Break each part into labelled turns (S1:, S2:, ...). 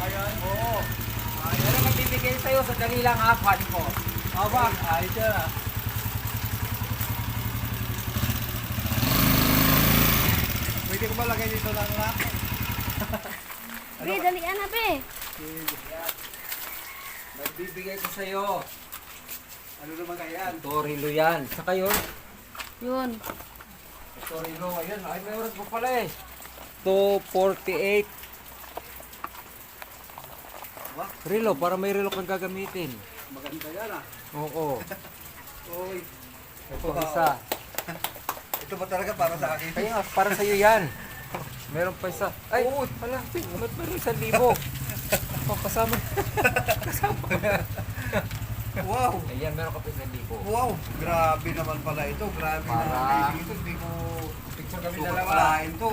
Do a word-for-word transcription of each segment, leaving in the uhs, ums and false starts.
S1: yan.
S2: Oo. Ah, yan ang magbibigay sa'yo. Sandali lang ha, kuhanin ko.
S1: Aba, ayos yan ah. Pwede ko ba lagay dito lang na?
S3: Be, dalian na, be.
S2: Yan. Magbibigay ko sa'yo.
S1: Ano naman kaya yan?
S2: Torilo yan. Saka yun.
S3: Yun.
S2: Torilo. Ayun. Ay, may oras pa pala eh. two forty-eight.
S1: Aba,
S2: Relo, para may relo kang gagamitin.
S1: maganda yan ah.
S2: Oo.
S1: Uy,
S2: Ito isa.
S1: ito ba talaga para sa akin?
S2: Kaya nga, para sa'yo yan. Meron pa isa. Ay, oh, hala. Ba't meron isang libo? Oh, kasama. kasama.
S1: Wow!
S2: Ayan, meron ka pa isang libo.
S1: Wow! Grabe naman pala ito. Grabe
S2: Para-
S1: na feeling ito. Hindi ko
S2: Picture kami
S1: sukat
S2: dalawa.
S1: palain to.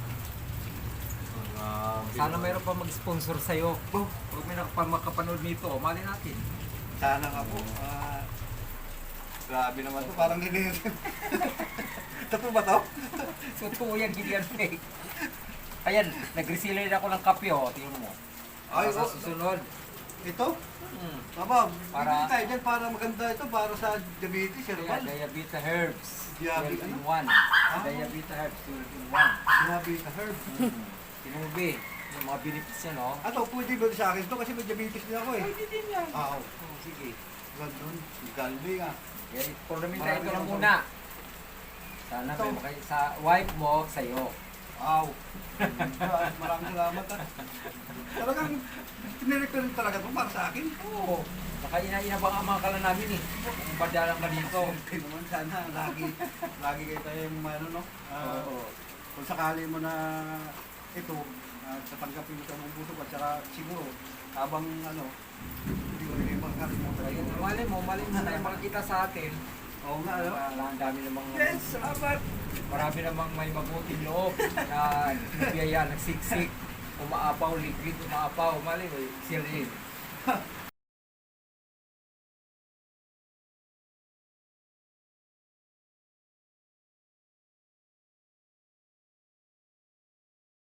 S2: Sana mayroon pa mag-sponsor sa'yo. Oh, huwag may nakapanood nito. Mali natin.
S1: Sana nga po. Ah, grabe naman to. Parang nililin. Totoo ba to?
S2: So, ito yan, Gideon Fake. Ayan, nag-resealer ako ng kape, oh. Tingnan mo.
S1: Ay,
S2: Para sa
S1: oh.
S2: susunod.
S1: Ito?
S2: Hmm.
S1: Aba,
S2: Para-
S1: para tayo dyan para maganda ito para sa diabetes,
S2: Ayan,
S1: herbal.
S2: Diabeta Herbs.
S1: Diabe-
S2: twelve in
S1: ano?
S2: one.
S1: Ah.
S2: Diabeta Herbs, twelve in one.
S1: Diabetes herb.
S2: Hmm. Tinubi. Yung mga benefits yan, oh.
S1: Ato, pwede ba sa akin to kasi may diabetes din ako eh.
S2: Pwede din yan.
S1: Ah, oh.
S2: Oh, sige.
S1: Ganun. Galbi nga.
S2: Kaya, programin tayo
S1: Marami
S2: ito lang
S1: akong-
S2: muna. Sana
S1: Ito.
S2: may makay sa wife mo, sa'yo.
S1: Aw. Maraming salamat ah. Talagang tinirect rin talaga ito para sa akin.
S2: Oo. Baka ina-inabang ang mga kala namin eh. Kung badalang ka dito.
S1: Siyempre naman sana lagi lagi kayo tayong ano no. Ah,
S2: Oo.
S1: kung sakali mo na ito uh, tatanggapin mo ng busog at saka siguro habang ano hindi ko rin makakalimutan.
S2: Ayun, malay mo, malay mo na tayo makakita sa atin.
S1: Oo nga ano.
S2: Wala, ang dami namang...
S1: Yes, salamat.
S2: Marami namang may mabuting loob na biyaya, nagsiksik, umaapaw, liquid, umaapaw, malay mo, silid.